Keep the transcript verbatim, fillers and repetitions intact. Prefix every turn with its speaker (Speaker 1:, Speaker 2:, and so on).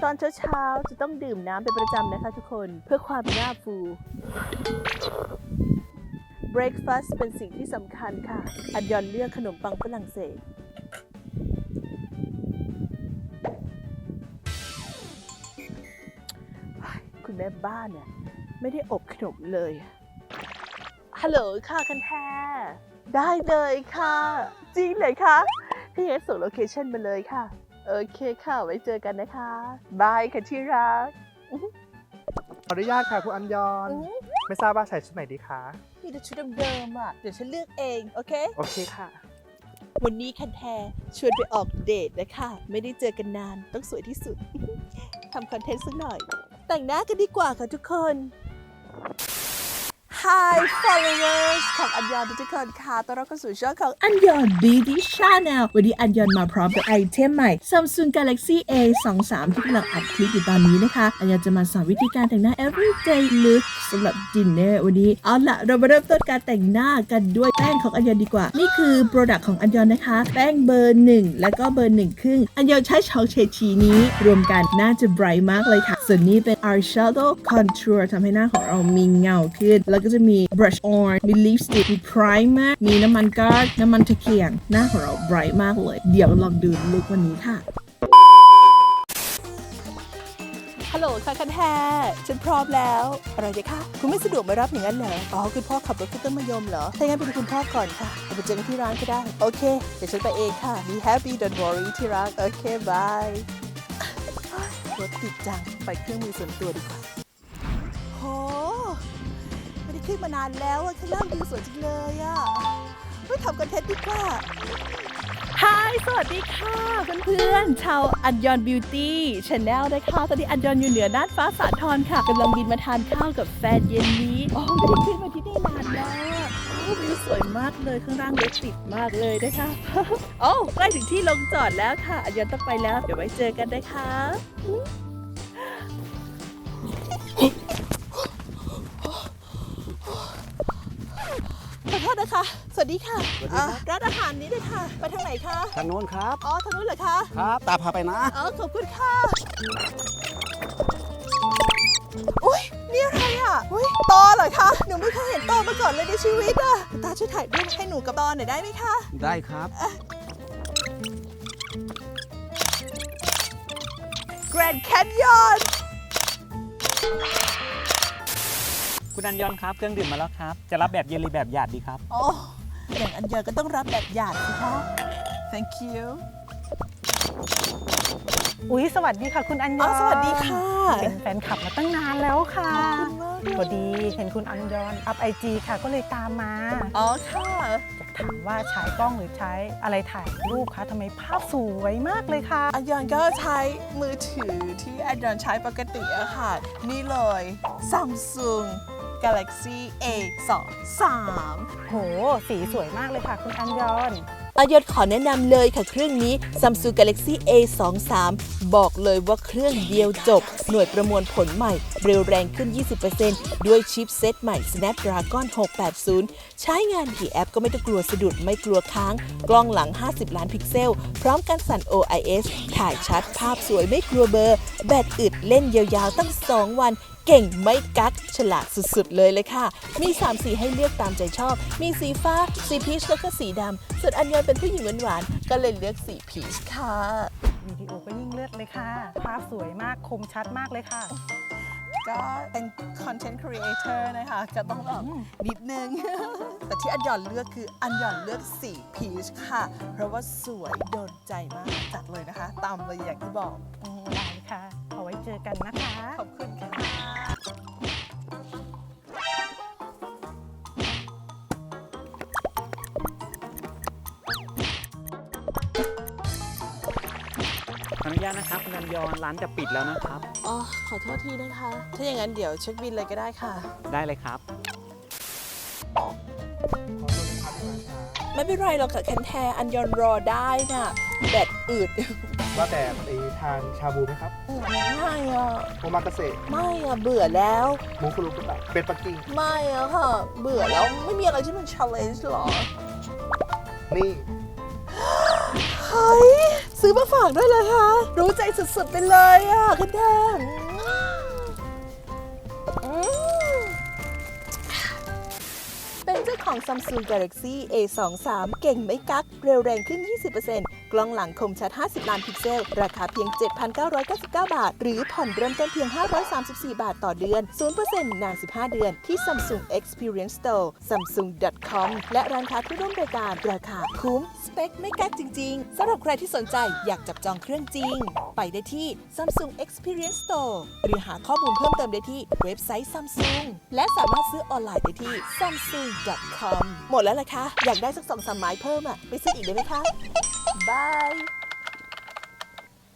Speaker 1: ตอนเช้าๆจะต้องดื่มน้ำเป็นประจำนะคะทุกคนเพื่อความหน้าฟู Breakfast เป็นสิ่งที่สำคัญค่ะอันยอนเลือกขนมปังฝรั่งเศสคุณแม่บ้านเนี่ยไม่ได้อบขนมเลยฮัลโหลค่ะคันแทได้เลยค่ะจริงเลยคะถ้าอย่างนั้นส่งโลเคชั่นมาเลยค่ะโอเคค่ะไว้เจอกันนะคะบายค่ะที่รัก
Speaker 2: ขออนุญาตค่ะคุณอัญยอนไม่ทราบว่าใส่ชุดไหนดีคะ
Speaker 1: มีแต่ชุดเดิมๆอ่ะเดี๋ยวฉันเลือกเองโอเค
Speaker 2: โอเคค่ะ
Speaker 1: วันนี้คันแทชวนไปออกเดทนะคะไม่ได้เจอกันนานต้องสวยที่สุด ทำคอนเทนต์สักหน่อยแต่งหน้ากันดีกว่าค่ะทุกคน Hi followers ของอันยอนทุกคนค่ะต้อนรับเข้าสู่ช่องของอันยอน Beauty Channel วันนี้อันยอนมาพร้อมกับไอเทมใหม่ Samsung Galaxy เอ สองสาม ที่กำลังอัดคลิปอยู่ตอนนี้นะคะอันยอนจะมาสอนวิธีการแต่งหน้า everyday look สำหรับ dinner วันนี้เอาล่ะเรามาเริ่มต้นการแต่งหน้ากันด้วยแป้งของอันยอนดีกว่านี่คือ product ของอันยอนนะคะแป้งเบอร์หนึ่งแล้วก็เบอร์หนึ่งครึ่งอันยอนใช้ช็อกเฉดสีนี้รวมกันน่าจะ bright มากเลยค่ะส่วนนี้เป็น eyeshadow contour ทำให้หน้าของเรามีเงาขึ้นแล้วก็จะมี brush on มี lipstick มี primer มีน้ำมันก๊าซน้ำมันตะเกียงหน้าของเรา bright มากเลยเดี๋ยวลองดูลุควันนี้ค่ะฮัลโหลค่ะคันแทฉันพร้อมแล้วอะไรดีคะคุณไม่สะดวกมารับอย่างนั้นเหรออ๋อคุณพ่อขับรถขึ้นต้นมะยมเหรอถ้างั้นไปดูคุณพ่อก่อนค่ะเราไปเจอกันที่ร้านก็ได้โอเคเดี๋ยวฉันไปเองค่ะ be happy don't worry ที่รักโอเคบายรถติดจังไปเครื่องมือส่วนตัวดีกว่าโหไม่ได้ขึ้นมานานแล้วอะข้างล่างวิวสวยจังเลยอะไม่ทำคอนเทนต์ดีกว่าฮายสวัสดีค่ะเพื่อนๆชาวอันยอนบิวตี้ชาแนลนะคะตอนนี้อันยอนอยู่เหนือน่านฟ้าสาทรค่ะกำลังบินมาทานข้าวกับแฟนเย็นนี้อ๋อไม่ได้ขึ้นมาที่นี่นานแล้ววิวสวยมากเลยข้างล่างรถติดมากเลยนะคะโอ้ใกล้ถึงที่ลงจอดแล้วค่ะอันยอนต้องไปแล้วเดี๋ยวไว้เจอกันนะคะขอโทษนะคะสวัสดีค่ะร้านอาหารนี้เลยค่ะไปทางไหนคะ
Speaker 3: ทางโน้นครับ
Speaker 1: อ๋อทางนู้นเหรอคะ
Speaker 3: ครับตาพาไปนะ
Speaker 1: อ๋อขอบคุณค่ะอุ้ยนี่อะไรอ่ะอุ้ยตอเหรอคะหนูไม่เคยเห็นตอมาก่อนเลยในชีวิตอ่ะตาช่วยถ่ายรูปให้หนูกับตอหน่อยได้ไหมคะ
Speaker 3: ได้ครับ
Speaker 1: Grand Canyon
Speaker 3: คุณอัญยอนครับเครื่องดื่มมาแล้วครับจะรับแบบเย็นหรือแบบหยาดดีครับ
Speaker 1: โอ้อย่างอันเดียวก็ต้องรับแบบหยาดสิคะ Thank you
Speaker 4: อุ๊ยสวัสดีค่ะคุณอัญยอน
Speaker 1: สวัสดีค่ะ
Speaker 4: เป็นแฟนคลับมาตั้งนานแล้วค่ะ
Speaker 1: ขอบคุณมาก
Speaker 4: พอดีเห็นคุณอัญยอนอัพไอจีค่ะก็เลยตามมา
Speaker 1: อ๋อค่ะ
Speaker 4: อยากถามว่าใช้กล้องหรือใช้อะไรถ่ายรูปคะทำไมภาพสวยมากเลยค่ะ
Speaker 1: อันยอนก็ใช้มือถือที่อันยอนใช้ปกติอะค่ะนี่เลย Samsung Galaxy เอ สองสาม
Speaker 4: โหสีสวยมากเลยค่ะคุณอัญยอน
Speaker 1: อันยอนขอแนะนำเลยค่ะเครื่องนี้ Samsung Galaxy เอ สองสาม บอกเลยว่าเครื่องเดียวจบหน่วยประมวลผลใหม่เร็วแรงขึ้น ยี่สิบเปอร์เซ็นต์ ด้วยชิปเซตใหม่ Snapdragon หกแปดศูนย์ใช้งานกี่แอปก็ไม่ต้องกลัวสะดุดไม่กลัวค้างกล้องหลังห้าสิบล้านพิกเซลพร้อมกันสั่น โอ ไอ เอส ถ่ายชัดภาพสวยไม่กลัวเบลอแบตอึดเล่นยาวๆตั้งสองวันเก่งไม่กักฉลาดสุดๆเลยเลยค่ะมีสามสีให้เลือกตามใจชอบมีสีฟ้าสีพีชแล้วก็สีดำส่วนอันยอนเป็นผู้หญิงหวานๆก็เลยเลือกสีพีชค่ะ
Speaker 4: วิดีโอก็ยิ่งเลือดเลยค่ะภาพสวยมากคมชัดมากเลยค่ะ
Speaker 1: ก็เป็นคอนเทนต์ครีเอเตอร์นะคะก็ต้องแบบนิดนึง แต่ที่อันยอนเลือกคืออันยอนเลือกสีพีชค่ะเพราะว่าสวยโดนใจมากจัดเลยนะคะตามเลยอย่างที่บอก
Speaker 4: ได้ค่ะเอาไว้เจอกันนะคะ
Speaker 1: ขอบคุณค่ะ
Speaker 3: ขออนุญาตนะครับคุณอัญยอนร้านจะปิดแล้วนะครับ
Speaker 1: อ๋อขอโทษทีนะคะถ้าอย่างนั้นเดี๋ยวเช็คบิลเลยก็ได้ค่ะ
Speaker 3: ได้เลยครับ
Speaker 1: ไม่เป็นไรหรอกค่ะแคนแทอันยอนรอได้น่ะแบตอืด
Speaker 2: ว่าแต่ไปทานชาบูไหมครับ
Speaker 1: ไม่อ่ะ
Speaker 2: โอมากาเสะ
Speaker 1: ไม่อ่ะเบื่อแล้ว
Speaker 2: หมูคุรุกุตะเป็ดปักกิ่ง
Speaker 1: ไม่อ่ะค่ะเบื่อแล้วไม่มีอะไรที่มัน challenge หรอ
Speaker 2: นี่
Speaker 1: เฮ้ยซื้อมาฝากด้วยเหรอคะ รู้ใจสุดๆไปเลยอ่ะคุณแทนอืมเป็นเจ้าของ Samsung Galaxy เอ สองสาม เก่งไม่กัก เร็วแรงขึ้น ยี่สิบเปอร์เซ็นต์ กล้องหลังคมชัด ห้าสิบ ล้านพิกเซล ราคาเพียง เจ็ดพันเก้าร้อยเก้าสิบเก้า บาท หรือผ่อนเริ่มต้นเพียง ห้าร้อยสามสิบสี่ บาทต่อเดือน ศูนย์เปอร์เซ็นต์ นาน สิบห้า เดือน ที่ Samsung Experience Store ซัมซุง ดอท คอม และร้านค้าที่ร่วมรายการ ราคาคุ้ม สเปคไม่กักจริงๆ สำหรับใครที่สนใจอยากจับจองเครื่องจริง ไปได้ที่ Samsung Experience Store หรือหาข้อมูลเพิ่มเติมได้ที่เว็บไซต์ Samsung และสามารถซื้อออนไลน์ได้ที่ ซัมซุง ดอท คอม หมดแล้วล่ะคะ อยากได้สักสองสามไม้เพิ่มอ่ะ ไปซื้ออีกได้ไหมคะ บาย